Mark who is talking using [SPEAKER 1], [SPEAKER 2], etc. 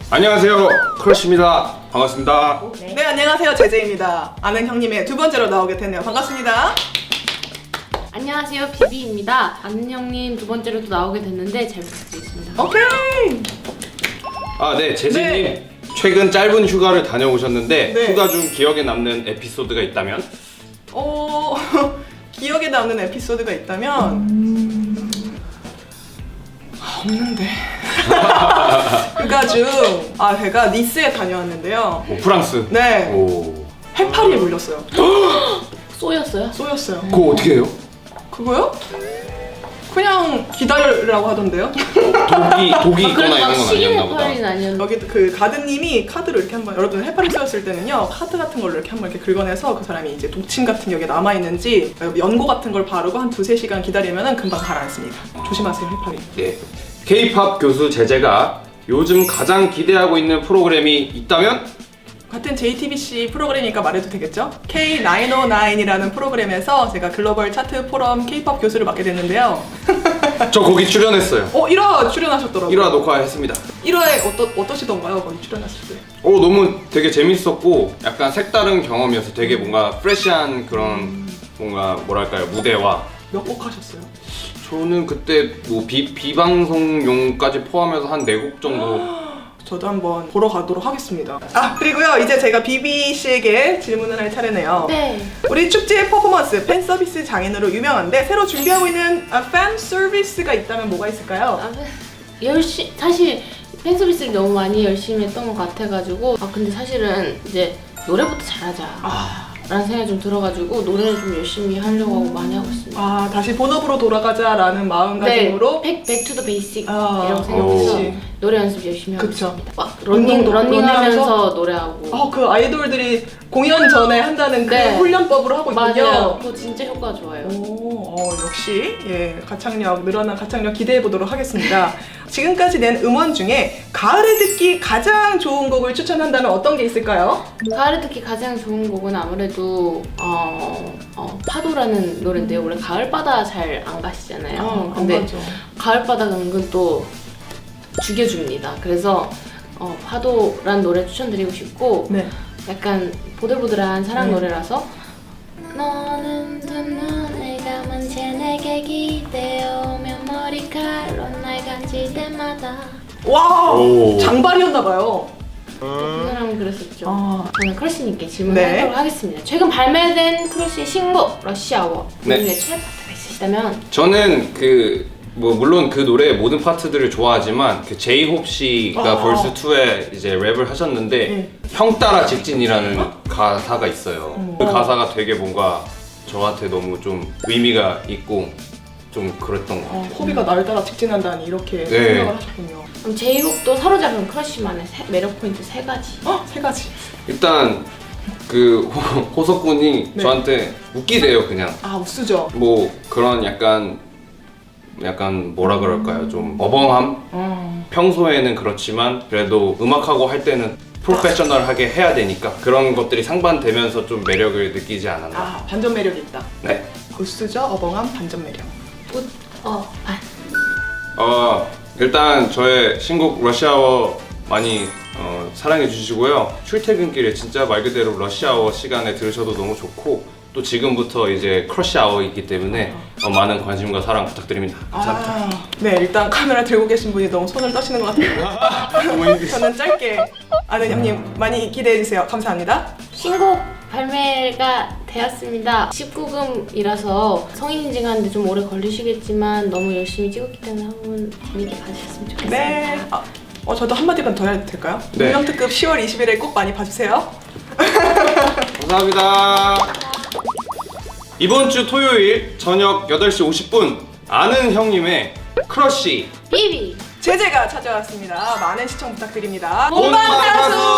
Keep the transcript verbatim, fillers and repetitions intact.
[SPEAKER 1] 안녕하세요, 크러쉬입니다. 반갑습니다.
[SPEAKER 2] 네. 네, 안녕하세요, 제제입니다. 아는 형님의 두 번째로 나오게 됐네요. 반갑습니다.
[SPEAKER 3] 안녕하세요, 비비입니다. 아는 형님 두 번째로 또 나오게 됐는데 잘 부탁드리겠습니다.
[SPEAKER 2] 오케이.
[SPEAKER 1] 아, 네, 제재님.
[SPEAKER 2] 네.
[SPEAKER 1] 최근 짧은 휴가를 다녀오셨는데
[SPEAKER 2] 네.
[SPEAKER 1] 휴가 중 기억에 남는 에피소드가 있다면?
[SPEAKER 2] 어, 기억에 남는 에피소드가 있다면 음... 아, 없는데. 휴가 중 아, 제가 니스에 다녀왔는데요.
[SPEAKER 1] 오, 프랑스.
[SPEAKER 2] 네.
[SPEAKER 1] 오.
[SPEAKER 2] 해파리에 물렸어요.
[SPEAKER 3] 쏘였어요?
[SPEAKER 2] 쏘였어요.
[SPEAKER 1] 그거 어떻게 해요?
[SPEAKER 2] 그거요? 그냥 기다리라고 하던데요.
[SPEAKER 1] 독이 독이
[SPEAKER 3] 아,
[SPEAKER 1] 있거나
[SPEAKER 3] 그래도
[SPEAKER 1] 이런
[SPEAKER 3] 막
[SPEAKER 1] 건
[SPEAKER 3] 식인
[SPEAKER 1] 아니었나 보다.
[SPEAKER 3] 해파리는 아니었는데.
[SPEAKER 2] 여기 그 가드님이 카드로 이렇게 한번, 여러분 해파리 쏘였을 때는요, 카드 같은 걸로 이렇게 한번 이렇게 긁어내서 그 사람이 이제 독침 같은 게 여기에 남아 있는지 연고 같은 걸 바르고 한 두세 시간 기다리면은 금방 가라앉습니다. 조심하세요, 해파리.
[SPEAKER 1] 네. K-팝 교수 제재가 요즘 가장 기대하고 있는 프로그램이 있다면?
[SPEAKER 2] 같은 제이티비씨 프로그램이니까 말해도 되겠죠? 케이 나인오나인이라는 프로그램에서 제가 글로벌 차트 포럼 K-팝 교수를 맡게 됐는데요.
[SPEAKER 1] 저 거기 출연했어요.
[SPEAKER 2] 어, 일 화 출연하셨더라고요.
[SPEAKER 1] 일 화 녹화했습니다.
[SPEAKER 2] 일 화에 어떠, 어떠시던가요? 거기 출연하실 때?
[SPEAKER 1] 오, 너무 되게 재밌었고 약간 색다른 경험이어서 되게 뭔가 프레시한 그런 뭔가 뭐랄까요, 무대와
[SPEAKER 2] 몇 곡 하셨어요?
[SPEAKER 1] 저는 그때 뭐 비, 비방송용까지 포함해서 한 네 곡 정도.
[SPEAKER 2] 저도 한번 보러 가도록 하겠습니다. 아, 그리고요, 이제 제가 비비 씨에게 질문을 할 차례네요.
[SPEAKER 3] 네.
[SPEAKER 2] 우리 축제 퍼포먼스 팬 서비스 장인으로 유명한데 새로 준비하고 있는 아, 팬 서비스가 있다면 뭐가 있을까요?
[SPEAKER 3] 아, 열심 사실 팬 서비스를 너무 많이 열심히 했던 것 같아가지고 아 근데 사실은 이제 노래부터 잘하자.
[SPEAKER 2] 아,
[SPEAKER 3] 라는 생각이 좀 들어가지고 노래를 좀 열심히 하려고 하고 많이 하고 있습니다.
[SPEAKER 2] 아, 다시 본업으로 돌아가자라는 마음가짐으로.
[SPEAKER 3] 백, 백투 더 베이식
[SPEAKER 2] 아,
[SPEAKER 3] 이라고 생각해서
[SPEAKER 1] 오.
[SPEAKER 3] 노래 연습 열심히 하고
[SPEAKER 2] 그쵸.
[SPEAKER 3] 있습니다. 막 러닝,
[SPEAKER 2] 운동도-
[SPEAKER 3] 러닝하면서
[SPEAKER 2] 러닝하면서?
[SPEAKER 3] 노래하고
[SPEAKER 2] 어, 그 아이돌들이 공연 전에 한다는 그
[SPEAKER 3] 네.
[SPEAKER 2] 훈련법으로 하고 있군요.
[SPEAKER 3] 맞아요. 그거 진짜 효과 좋아요.
[SPEAKER 2] 오, 어, 역시 예, 가창력, 늘어난 가창력 기대해 보도록 하겠습니다. 지금까지 낸 음원 중에 가을에 듣기 가장 좋은 곡을 추천한다면 어떤 게 있을까요?
[SPEAKER 3] 가을에 듣기 가장 좋은 곡은 아무래도 어, 어, 파도라는 노래인데요. 원래 가을바다 잘 안 가시잖아요.
[SPEAKER 2] 아,
[SPEAKER 3] 근데
[SPEAKER 2] 안 가죠.
[SPEAKER 3] 가을바다가 은근 또 죽여줍니다. 그래서 어, 파도란 노래 추천드리고 싶고
[SPEAKER 2] 네.
[SPEAKER 3] 약간 보들보들한 사랑
[SPEAKER 2] 네.
[SPEAKER 3] 노래라서 너는 두 눈을 감은 채 내게 기대어오면 머리칼로 날 간질 때마다
[SPEAKER 2] 와,
[SPEAKER 1] 오.
[SPEAKER 2] 장발이었나봐요.
[SPEAKER 3] 그 사람은 그랬었죠.
[SPEAKER 2] 아.
[SPEAKER 3] 저는 크러쉬님께 질문하도록
[SPEAKER 2] 네.
[SPEAKER 3] 하겠습니다. 최근 발매된 크러쉬의 신곡 러시아워
[SPEAKER 1] 네.
[SPEAKER 3] 본인의 최애 파트가 있으시다면
[SPEAKER 1] 저는 그 뭐 물론 그 노래의 모든 파트들을 좋아하지만 그 제이홉 씨가
[SPEAKER 2] 아.
[SPEAKER 1] 벌스 투에 이제 랩을 하셨는데
[SPEAKER 2] 네.
[SPEAKER 1] 형 따라 직진이라는 가사가 있어요.
[SPEAKER 2] 음.
[SPEAKER 1] 그 가사가 되게 뭔가 저한테 너무 좀 의미가 있고 좀 그랬던 것
[SPEAKER 2] 어,
[SPEAKER 1] 같아요.
[SPEAKER 2] 호비가 날 따라 직진한다는 이렇게
[SPEAKER 1] 네.
[SPEAKER 2] 생각을 하셨군요.
[SPEAKER 3] 그럼 제이홉도 사로잡은 크러쉬만의 세- 매력 포인트 세 가지.
[SPEAKER 2] 어, 세 가지.
[SPEAKER 1] 일단 그 호- 호석군이
[SPEAKER 2] 네.
[SPEAKER 1] 저한테 웃기대요. 그냥
[SPEAKER 2] 아, 우수죠.
[SPEAKER 1] 뭐 그런 약간 약간 뭐라 그럴까요? 좀 어벙함?
[SPEAKER 2] 음.
[SPEAKER 1] 평소에는 그렇지만 그래도 음악하고 할 때는 프로페셔널하게 해야 되니까 그런 것들이 상반되면서 좀 매력을 느끼지 않았나.
[SPEAKER 2] 아, 반전 매력이 있다.
[SPEAKER 1] 네.
[SPEAKER 2] 우수죠, 어벙한 반전 매력.
[SPEAKER 3] 웃, 어, 아,
[SPEAKER 1] 어 일단 저의 신곡 러시아워 많이 어, 사랑해 주시고요. 출퇴근길에 진짜 말 그대로 러시아워 시간에 들으셔도 너무 좋고 또 지금부터 이제 크러쉬 아워이기 때문에 어, 많은 관심과 사랑 부탁드립니다. 감사합니다.
[SPEAKER 2] 아, 네, 일단 카메라 들고 계신 분이 너무 손을 떠시는 것 같아요. 저는 짧게 아는 형님 많이 기대해 주세요. 감사합니다.
[SPEAKER 3] 신곡 발매가 되었습니다. 십구 금이라서 성인 인증하는데 좀 오래 걸리시겠지만 너무 열심히 찍었기 때문에 한번 재밌게 봐주셨으면 좋겠습니다.
[SPEAKER 2] 네. 아, 어, 저도 한마디만 더 해도 될까요?
[SPEAKER 1] 네.
[SPEAKER 2] 운명특급 시월 이십일에 꼭 많이 봐주세요.
[SPEAKER 1] 감사합니다. 이번 주 토요일 저녁 여덟 시 오십 분 아는 형님의 크러쉬
[SPEAKER 3] 비비!
[SPEAKER 2] 제재가 찾아왔습니다. 많은 시청 부탁드립니다.
[SPEAKER 1] 본방사수!